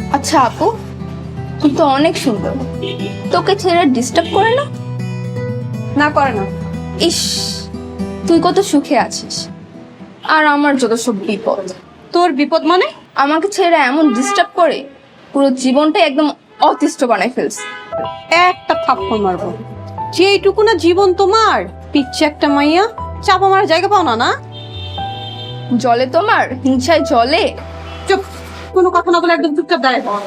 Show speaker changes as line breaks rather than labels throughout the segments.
আচ্ছা আপু, তুই তো অনেক সুন্দর, তোকে ছেলেরা ডিস্টার্ব করে না?
না করে না।
ইস, তুই কত সুখে আছিস আর আমার যত সব বিপদ।
তোর বিপদ মানে?
আমাকে ছেলেরা এমন ডিস্টার্ব করে, পুরো জীবনটাই একদম অতিষ্ঠ বানাই ফেলছে।
একটা থাপ্পড় মারবো। যেইটুকু না জীবন তোমার, পিচ্ছে একটা মাইয়া, চাপা মারার জায়গা পাও না। না
জলে তোমার হিংসায় জলে।
চুপ, কোনো কথা না বলে একদম চুপচাপ দাঁড়ায় থাক।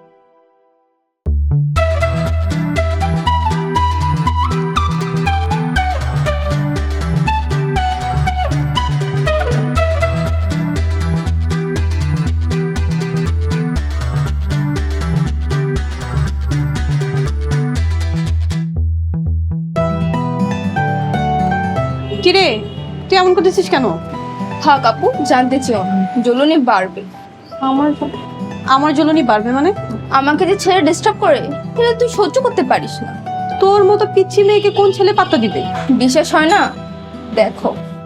কিরে, তুই এমন করতেছিস কেন?
থাক আপু, জানতে চাও জ্বলনি বাড়বে। আমার
আমার জ্বলনি বাড়বে মানে?
আমাকে যে ছেলে ডিস্টার্ব করে, সেটা তুই সহ্য করতে পারিস না।
তোর মতো পিচ্ছি মেয়েকে কোন ছেলে পাত্তা দিবে?
বিশ্বাস হয় না? দেখো।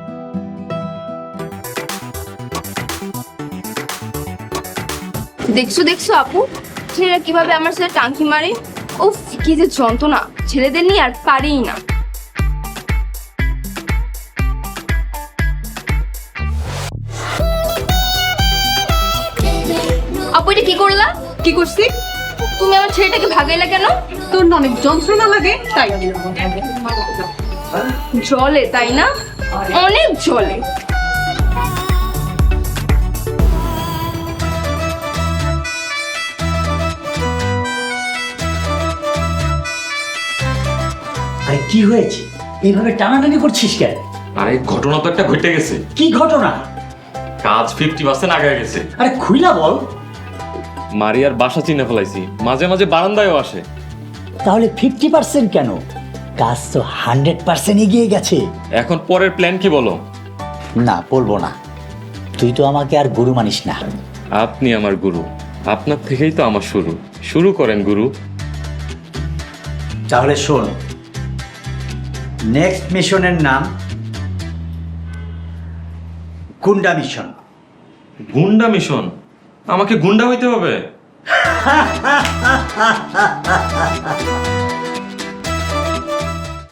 দেখছো দেখছো আপু, ছেলেরা কিভাবে আমার সাথে টাঙ্কি মারে। উফ, কি যে যন্ত্রণা, ছেলেদের নিয়ে আর পারিই না। আপু এটা কি করলা?
কি করছি?
তুমি আমার ছেলেটাকে ভাগাইলা কেন?
তোর না অনেক যন্ত্রণা লাগে তাই।
জলে তাই না? অনেক জলে।
আরে কি হয়েছে? এইভাবে টানাটানি করছিস কেন?
আরে ঘটনা তো একটা ঘটে গেছে।
কি ঘটনা?
কাজ 50% আগে গেছে।
আরে খুইলা বল।
মারিয়ার বাসা চিনে ফেলাইছি, মাঝে মাঝে বারান্দায়ও আসে।
তাহলে 50% কেন? কাজ তো 100% এগিয়ে গেছে।
এখন পরের প্ল্যান কি বলো?
না, বলবো না। তুই তো আমাকে আর গুরু মানিস না।
আপনি আমার গুরু, আপনার থেকেই তো আমার শুরু। শুরু করেন গুরু।
তাহলে শোন, নেক্সট মিশনের নাম গুন্ডা মিশন।
গুন্ডা মিশন? আমাকে গুন্ডা হইতে হবে?